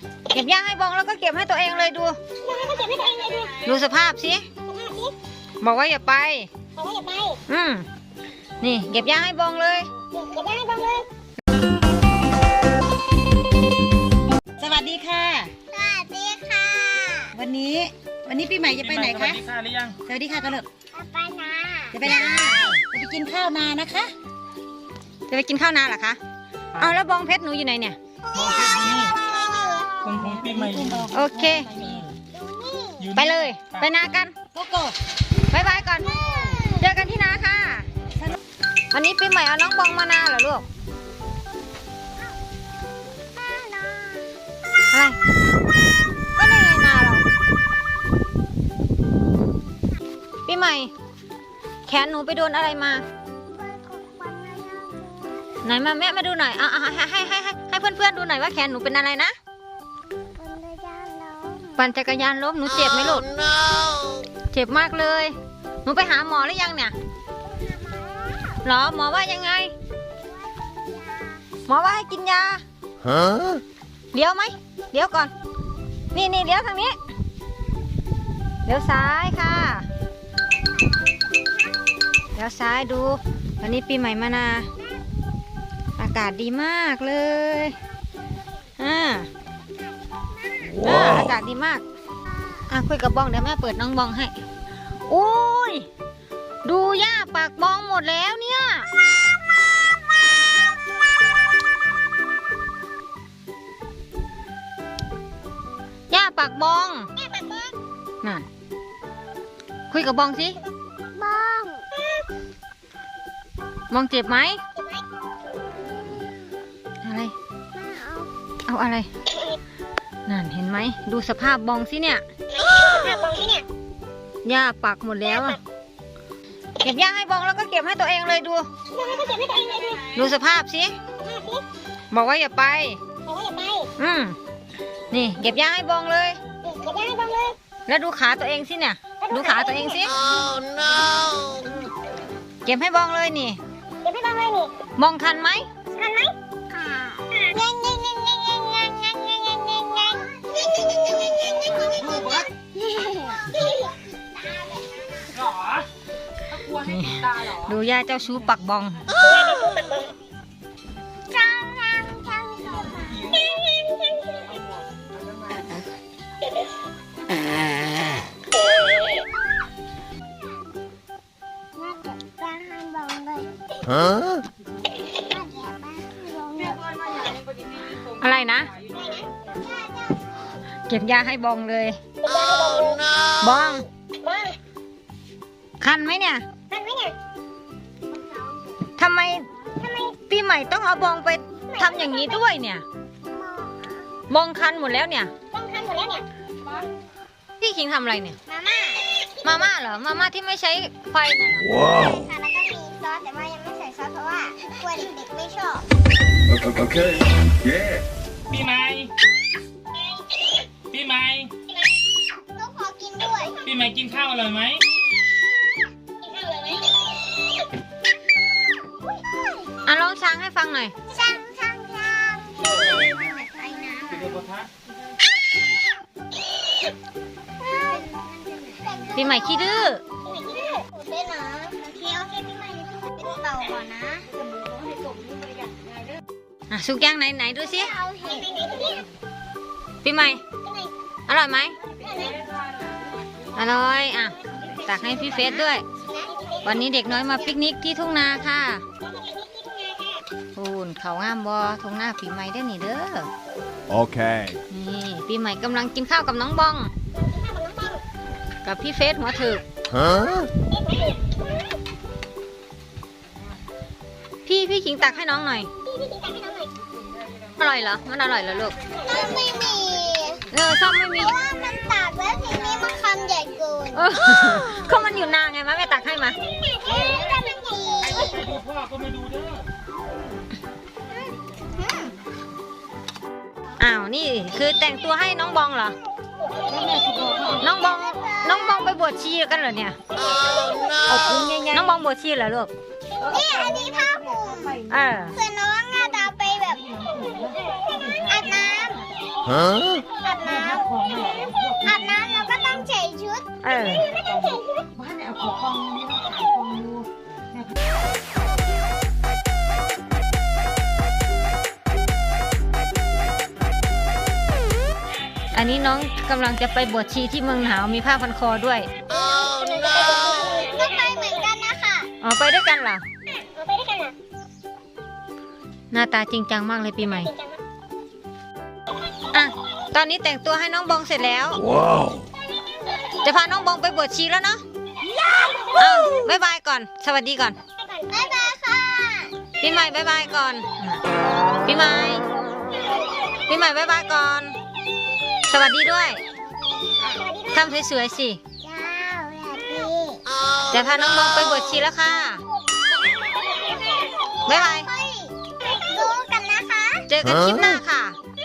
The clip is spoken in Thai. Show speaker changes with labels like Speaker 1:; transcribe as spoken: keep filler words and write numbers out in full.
Speaker 1: เก็บหญ้าให้บองแล้วก็เก็บให้ตัวเองเลยดูดูสภาพสิบอกว่าอย่าไปบอกว่าอย่าไปอืมนี่เก็บหญ้าให้บองเลยเก็บหญ้าให้บองเลยสวัสดีค่ะ
Speaker 2: สวัสดีค่ะ
Speaker 1: วันนี้วันนี้ปีใหม่จะไปไหนคะ
Speaker 3: สวัสดีค่ะหรือยัง
Speaker 1: สวัสดีค่ะกันเลย
Speaker 2: จะไปนา
Speaker 1: จะไปนาจะไปกินข้าวนานะคะจะไปกินข้าวนาเหรอคะเอาแล้วบองเพชรหนูอยู่ไหนเนี่ย
Speaker 3: ของของปีใหม่
Speaker 1: โอเคไปเลยไปนากันโกโก้บายบายก่อนเจอกันที่นาค่ะวันนี้ปีใหม่เอาน้องบองมานาเหรอลูกอะไรก็ในนาเราปีใหม่แขนหนูไปโดนอะไรมาไหนมาแม่มาดูหน่อยเอาให้ให้ให้ให้ให้เพื่อนๆดูหน่อยว่าแขนหนูเป็นอะไรนะปั่นจักรยานล้มหนูเจ็บไหมลูกเจ็บมากเลยหนูไปหาหมอหรือยังเนี่ยหรอหมอว่ายังไงหมอว่าให้กินยาฮะเดี๋ยวไหมเดี๋ยวก่อนนี่นี่เดี๋ยวทางนี้เดี๋ยวซ้ายค่ะเดี๋ยวซ้ายดูวันนี้ปีใหม่มานาอากาศดีมากเลยอ่าอากาศดีมากอ่ะคุยกับบองเดี๋ยวแม่เปิดน้องบองให้อุ้ยดูหญ้าปากบองหมดแล้วเนี่ยหญ้าปากบองน่ะคุยกับบองสิ
Speaker 2: บอง
Speaker 1: บองเจ็บไหมอะไรเอาอะไรนั่นเห็นไหมดูสภาพบองสิเนี่ย
Speaker 2: สภาพบองสิเนี่ย
Speaker 1: หญ้าปักหมดแล้วเก็บหญ้าให้บองแล้วก็เก็บให้ตัวเองเลยดูดูสภาพสิบอกว่าอย่าไป
Speaker 2: บอกว่าอย่าไป
Speaker 1: อืมนี่เก็บหญ้าให้บองเลย
Speaker 2: เก็บหญ้าให้บองเลย
Speaker 1: แล้วดูขาตัวเองสิเนี่ยดูขาตัวเองสิ
Speaker 2: oh no
Speaker 1: เก็บให้บองเลยนี่
Speaker 2: เก็บให้บองเลยนี่
Speaker 1: บองคันไหม
Speaker 2: คันไหมยังยังยังยังยังยังยังยังยังยัง
Speaker 1: ดูย่าเจ้าชู้ปักบอง
Speaker 2: ฮะ
Speaker 1: อะไรนะเก็บยาให้บองเลยบองคันไหมเนี่ยทำไมปีใหม่ต้องเอาบองไปทำอย่างนี้ด้วยเนี่ยบองคันหมดแล้วเนี่ยพี่คิงทำอะไรเนี่ยมาม่ามาม่าเหรอมาม่าที่ไม่ใช้ไฟน่ะ
Speaker 2: ว้าวค่ะแล้วก็มีซอสแต่ว่ายังไม่ใส่ซอสเพราะว่ากลัวเด็กๆไม่ชอบ
Speaker 3: โอเคเย้ปีใหม่ปีใหม่
Speaker 2: ต้องขอกินด้วย
Speaker 3: ปีใหม่กินข้าวอร่อยไหม
Speaker 2: กินข้าวอร่อยไหม
Speaker 1: อ่ะลองช้างให้ฟังหน่อย
Speaker 2: ช้างช้างช้างไปน้ำ
Speaker 1: ปีใหม่ขี้ดื้อ
Speaker 2: เป็นนะโอเคโอเคปีใหม่เป็นเต่าก่อนนะ
Speaker 1: อ่ะสุกย่างไหนไหนดูสิ
Speaker 2: เอาเห็ด
Speaker 1: ปีใหม่อร่อยไหมอร่อยอ่ะตักให้พี่เฟสด้วยวันนี้เด็กน้อยมาปิกนิกที่ทุ่งนาค่ะปูนเขางามบอทุ่งนาปีใหม่ได้หนิเด้อ
Speaker 3: โอเค
Speaker 1: นี่ปีใหม่กำลังกินข้าวกับน้องบองกับพี่เฟสหัวถึกฮะพี่พี่ขิงตักให้น้องหน่อยอร่อยเหรอมันอร่อยเหรอลูก
Speaker 2: ไม่มี
Speaker 1: เออซ่อมไม่มี
Speaker 2: เพราะว่ามันตักแล้วทีนี้มันคำใหญ่เกิน
Speaker 1: ก็มันอยู่นานไงมาแม่ตักให้มา
Speaker 3: พ่อก็ไม่ดูเด้
Speaker 1: ออ้าวนี่คือแต่งตัวให้น้องบองเหรอน้องบองน้องบองไปบวชชีกันเหรอเนี่ยน้องบองบวชชีเหรอลูก
Speaker 2: นี่อันนี้ผ้าห่ม
Speaker 1: เออ
Speaker 2: เพื่อนน้องอาจจะไปแบบอาบน้ำอาบน้ำอาบน้ำเราก็ต้องใส่ชุด
Speaker 1: เออ
Speaker 2: ก็ต้องใส่ชุด
Speaker 4: บ้านเนี่ยเอาของฟองนี่มาขายฟองดู
Speaker 1: อันนี้น้องกำลังจะไปบวชชีที่เมืองหนาวมีผ้าพันคอด้วย
Speaker 2: ก็ไปเหมือนกันนะคะ
Speaker 1: อ๋อไปด้วยกันเหรอ
Speaker 2: เอาไปด้วยกันเหรอ
Speaker 1: หน้าตาจริงจังมากเลยปีใหม่
Speaker 2: จริงจังมาก
Speaker 1: อ่ะ ตอนนี้แต่งตัวให้น้องบองเสร็จแล้ว
Speaker 3: ว้าว
Speaker 1: จะพาน้องบองไปบวชชีแล้วเนาะเอาบ๊ายบายก่อน สวัสดีก่อน
Speaker 2: บ๊ายบายค่ะ
Speaker 1: ปีใหม่บ๊ายบายก่อน ปีใหม่ ปีใหม่บ๊ายบายก่อน สวัสดีด้วย
Speaker 2: สวัสดีด้วย
Speaker 1: ทำสวยๆสิ
Speaker 2: เจ้าสวัสดี
Speaker 1: จะพาน้องบองไปบวชชีแล้วค่ะ บ๊ายบาย
Speaker 2: ค่อยดูกันนะคะ
Speaker 1: เจอกันคลิปหน้าค่ะ
Speaker 2: ค